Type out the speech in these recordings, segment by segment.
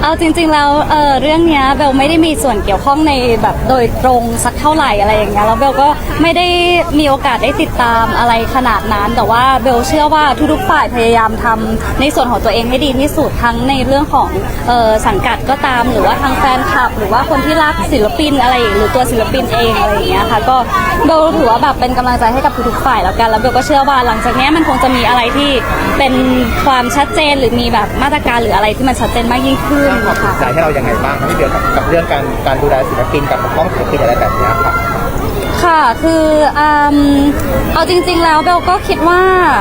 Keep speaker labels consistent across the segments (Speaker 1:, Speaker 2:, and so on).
Speaker 1: เอาจริงๆแล้วเรื่องเนี้ยเบลไม่ได้มีส่วนเกี่ยวข้องในแบบโดยตรงสักเท่าไหร่อะไรอย่างเงี้ยแล้วเบลก็ไม่ได้มีโอกาสได้ติดตามอะไรขนาดนั้นแต่ว่าเบลเชื่อว่าทุกๆฝ่ายพยายามทำในส่วนของตัวเองให้ดีที่สุดทั้งในเรื่องของสังกัดก็ตามหรือว่าทางแฟนคลับหรือว่าคนที่รักศิลปินอะไรหรือตัวศิลปินเองอะไรอย่างเงี้ยค่ะก็เบลถือว่าแบบเป็นกำลังใจให้กับทุกๆฝ่ายแล้วกันแล้วเบลก็เชื่อว่าหลังจากนี้มันคงจะมีอะไรที่เป็นความชัดเจนหรือมีแบบมาตรการหรืออะไรที่มันชัดเจนมากยิ่งขึ้น
Speaker 2: ความสนใจให้เรายังไงบ้างครับพี่เบลกับเรื่องการดูแลศิลปินกับปกป้องศิลปินอะไรแบบนี้ครับ
Speaker 1: ค่ะคือเอาจริงๆแล้วเบลก็คิดว่า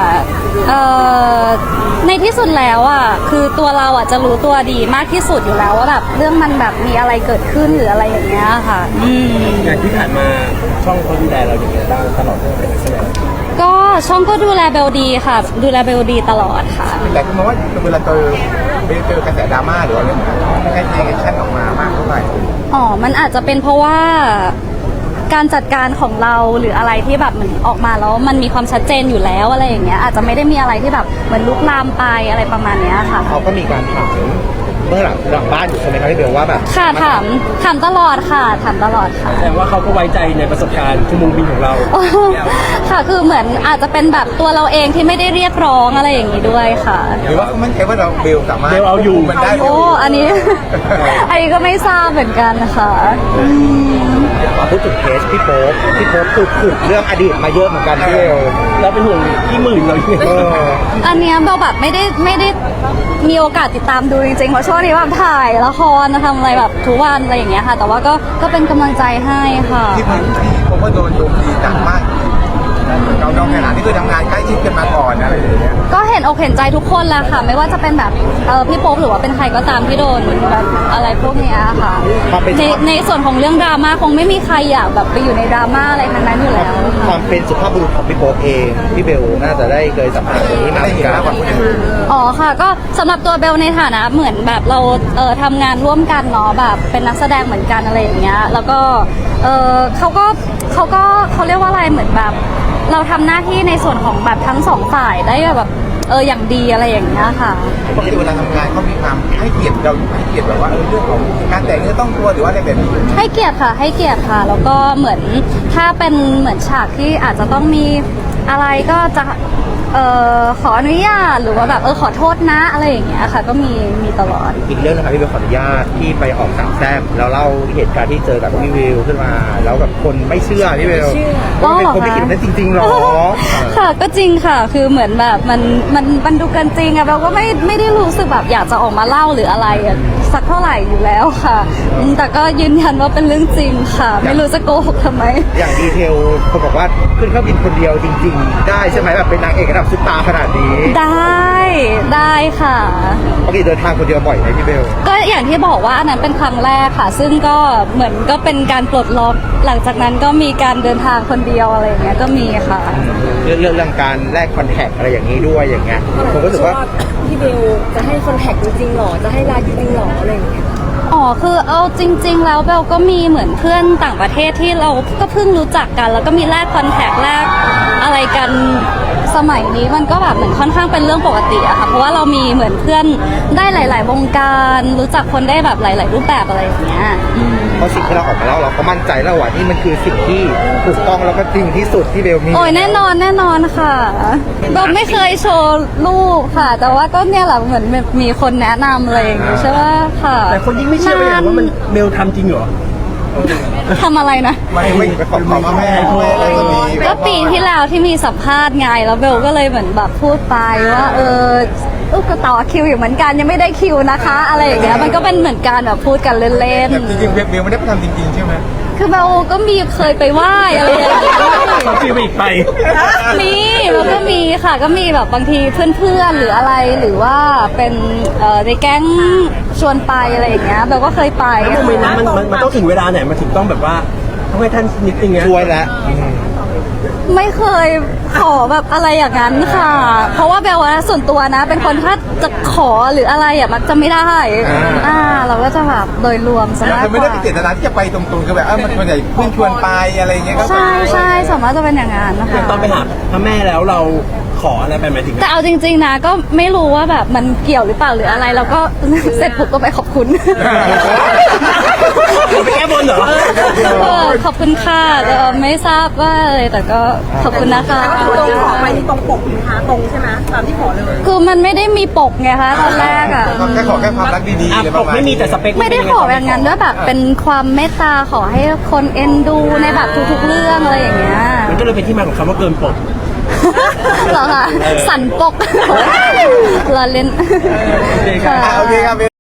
Speaker 1: ในที่สุดแล้วอ่ะคือตัวเราอ่ะจะรู้ตัวดีมากที่สุดอยู่แล้วว่าแบบเรื่องมันแบบมีอะไรเกิดขึ้นหรืออะไรอย่างเงี้ยค่ะ
Speaker 3: อย่างที่ผ่านมาช่องเขาดูแลเราอย่างไรบ้างตลอดเลยใช่ไหม
Speaker 1: ก็ช่องก็ดูแลเบลดีค่ะดูแลเบลดีตลอดค่ะ
Speaker 2: แต่ก็มองว่าเวลาเจอกระแสดราม่าหรืออะไรแบบนี้ไม่ใช่รีแอคชั่นออกมามากเท่าไหร่
Speaker 1: อ๋อมันอาจจะเป็นเพราะว่าการจัดการของเราหรืออะไรที่แบบเหมือนออกมาแล้วมันมีความชัดเจนอยู่แล้วอะไรอย่างเงี้ยอาจจะไม่ได้มีอะไรที่แบบเหมือนลุกลามไปอะไรประมาณเนี้ยค่ะ
Speaker 2: เขาก็มีการถามเมื่อหลังบ้านอยู่ใช่ไหมครับพี่เบลว่าแบบ
Speaker 1: ค่ะถามตลอดค่ะถามตลอดค่ะ
Speaker 3: แสดงว่าเขาก็ไว้ใจในประสบการณ์ชั่วโมงบินของเรา
Speaker 1: ค่ะคือเหมือนอาจจะเป็นแบบตัวเราเองที่ไม่ได้เรียกร้องอะไรอย่างนี้ด้วยค่ะ
Speaker 2: หรือว่าเขามั่นใจว่าเราเบลสามารถ
Speaker 3: เบลเอาอยู่
Speaker 2: มันได้
Speaker 1: โอ้อันนี้ อันนี้ก็ไม่ทราบเหมือนกันค่ะ
Speaker 2: พูดถึงเคสพี่โป๊ปถูกเรื่องอดีตมาเยอะเหมือนกันพี่เบล
Speaker 3: เราเป็นห่วงที่หมื่นเราอยู่
Speaker 1: อันเนี้ยเบลแบบไม่ได้มีโอกาสติดตามดูจริงๆเพราะช่วงนี้แบบถ่ายละครทำอะไรแบบทุกวันอะไรอย่างเงี้ยค่ะ แต่ว่าก็เป็นกำลังใจให้ค่ะ
Speaker 2: ที่ผมก็โดนโจมตีหนักมากเราขนาดนี้คือทำงานใกล้ชิดกันมาก่อนอะไรอย่างเงี้ย
Speaker 1: ก็เห็นอกเห็นใจทุกคนแหละค่ะ ไม่ว่าจะเป็นแบบพี่โป๊ปหรือว่าเป็นใครก็ตามที่โดนแบบอะไรพวกเนี้ยค่ะในส่วนของเรื่องดราม่าคงไม่มีใครอยากแบบไปอยู่ในดราม่าอะไรทั้งนั้นอยู่แล้ว
Speaker 2: ควา
Speaker 1: ค่ะ
Speaker 2: มเป็นสุภาพบุรุษของพี่โป๊ปเองพี่เบลน่าจะได้เคยสัมผัสตรงนี้มาเหมือนกัน
Speaker 1: อ๋อค่ะก็สำหรับตัวเบลในฐานะเหมือนแบบเราทำงานร่วมกันเนาะแบบเป็นนักแสดงเหมือนกันอะไรอย่างเงี้ยแล้วก็เขาเรียกว่าอะไรเหมือนแบบเราทำหน้าที่ในส่วนของแบบทั้งสองฝ่ายได้แบบอย่างดีอะไรอย่างเงี้ยค่ะ
Speaker 2: ปกติเวลาทำงานเขามีความให้เกียรติเราให้เกียรติแบบว่าเรื่องของการแต่งเนื้อต้องตัวหรือว่าอะไรแบบนี้
Speaker 1: ให้เกียรติค่ะแล้วก็เหมือนถ้าเป็นเหมือนฉากที่อาจจะต้องมีอะไรก็จะขออนุญาตหรือว่าแบบขอโทษนะอะไรอย่างเงี้ยค่ะก็มีตลอด
Speaker 2: อีกเรื่องนะครับพี่เบลขออนุญาตที่ไปออกสามแซ่บแล้วเล่าเหตุการณ์ที่เจอกับพี่วิวขึ้นมาแล้วแบบคนไม่เชื่อพี่เบลก็เป็นคนไม่คิดนั้นจริงๆหรอ
Speaker 1: ค่ะก็จริงค่ะคือเหมือนแบบมันดูกันจริงอะเราก็ไม่ได้รู้สึกแบบอยากจะออกมาเล่าหรืออะไรสักเท่าไหร่อยู่แล้วค่ะแต่ก็ยืนยันว่าเป็นเรื่องจริงค่ะไม่รู้จะโกหกทำไม
Speaker 2: อย่างดีเทลคนบอกว่าขึ้นเครื่องบินคนเดียวจริงๆได้ใช่ไหมแบบเป็นนางเอกระดับซุปตาร์ขนาดนี้
Speaker 1: ได้ค่ะ
Speaker 2: ปกติเดินทางคนเดียวบ่อยไหมพี่เบล
Speaker 1: ก็อย่างที่บอกว่าอันนั้นเป็นครั้งแรกค่ะซึ่งก็เหมือนก็เป็นการปลดล็อกหลังจากนั้นก็มีการเดินทางคนเดียวอะไรอย่างเงี้ยก็มีค่ะ
Speaker 2: เรื่องการแลกคอนแทคอะไรอย่างนี้ด้วยอย่างเงี้ยผมก็รู้สึกว่า
Speaker 4: พี่เบลจะให้คอนแทคจริงๆหรอจะให้ไลน์จริงๆหรออะไรอย่างเงี้ย
Speaker 1: อ๋อคือเอาจริงๆแล้วเบลก็มีเหมือนเพื่อนต่างประเทศที่เราก็เพิ่งรู้จักกันแล้วก็มีแลกคอนแทคแลกอะไรกันสมัยนี้มันก็แบบเหมือนค่อนข้างเป็นเรื่องปกติอะค่ะเพราะว่าเรามีเหมือนเพื่อนได้หลายๆวงการรู้จักคนได้แบบหลายๆรูปแบบอะไรอย่างเงี้ย
Speaker 2: เพราะสิ่งที่เราออกมาแล้วเราก็มั่นใจแล้วว่านี่มันคือสิ่งที่ถูกต้องแล้วก็จริงที่สุดที่เบลมี
Speaker 1: โอ้ยแน่นอนค่ะเบลไม่เคยโชว์รูปค่ะแต่ว่าก็เนี่ยแหละเหมือนมีคนแนะนำอะไรอย่างเงี้ยใช่ไหมค่ะ
Speaker 3: แต่คนยิ่งไม่เชื่อเลยว่ามันเบลทำจริงเหรอ
Speaker 1: ทำอะไรนะ
Speaker 2: ไม่ไปขอแม่
Speaker 1: ก็ปีที่แล้วที่มีสัมภาษณ์ไงแล้วเบลก็เลยเหมือนแบบพูดไปว่าก็ต่อคิวอยู่เหมือนกันยังไม่ได้คิวนะคะอะไรอย่างเงี้ยมันก็เป็นเหมือนการแบบพูดกันเล่น
Speaker 2: ๆจริงๆเบลไม่ได้ไปทำจริงๆใช่ไหม
Speaker 1: คือเบลก็มีเคยไปไหว้อะไรอย่างเงี้ย
Speaker 3: เขาคิวไปอีกไป
Speaker 1: มีแล้วก็มีค่ะก็มีแบบบางทีเพื่อนๆหรืออะไรหรือว่าเป็นในแก๊งชวนไปอะไรอย่างเงี้ยเบลก็เคยไป
Speaker 3: แล้วโมเมนต์นั้นมันต้องถึงเวลาไหนมันถึงต้องแบบว่าต้องให้ท่านนิดนึงไง
Speaker 2: ช่วยแล้ว
Speaker 1: ไม่เคยขอแบบอะไรอย่างนั้นค่ะเพราะว่าเบลว่าส่วนตัวนะเป็นคนถ้าจะขอหรืออะไรมักจะไม่ได้เราก็จะแบบโดยรวมซะมากกว่า
Speaker 2: ไม่ได้เป็นเจตนาที่จะไปตรงๆคือแบบมันส่วนใหญ่เพื่อนชวนไปอะไรเงี้ยก็
Speaker 1: ใช่สามารถจะเป็นอย่างนั้นนะคะ
Speaker 3: ตอนไปหาพระแม่แล้วเราขออะไรไปหมายถึง
Speaker 1: แต่เอาจริงๆนะก็ไม่รู้ว่าแบบมันเกี่ยวหรือเปล่าหรืออะไรแล้วก็ เสร็จปุ๊บก็ไปขอบคุณ
Speaker 3: ไปแก้บนเหรอ
Speaker 1: ขอบคุณค่ะแต่ไม่ทราบว่าอะไรแต่ก็ขอบคุณนะคะ
Speaker 4: ตรงขอไปนี่ตรงปกนะคะตรงใช่ไหมตามที่ขอเลย
Speaker 1: คือมันไม่ได้มีปกไงคะตอนแรกอ่ะ
Speaker 2: แค่ขอแค่ความรักดีๆ
Speaker 3: อ่ะ
Speaker 2: เลย
Speaker 3: ปกไม่มีแต่สเปค
Speaker 1: ไม่ได้ขอแบบนั้นด้วยแบบเป็นความเมตตาขอให้คนเอ็นดูในแบบทุกๆเรื่องอะไรอย่างเงี้ย
Speaker 3: มันก็เลยเป็นที่มาของคำว่าเกินปก
Speaker 1: เหรอคะสันปก เราเล่น
Speaker 3: โอเคครับ
Speaker 1: ค่ะ
Speaker 2: โอเคครับ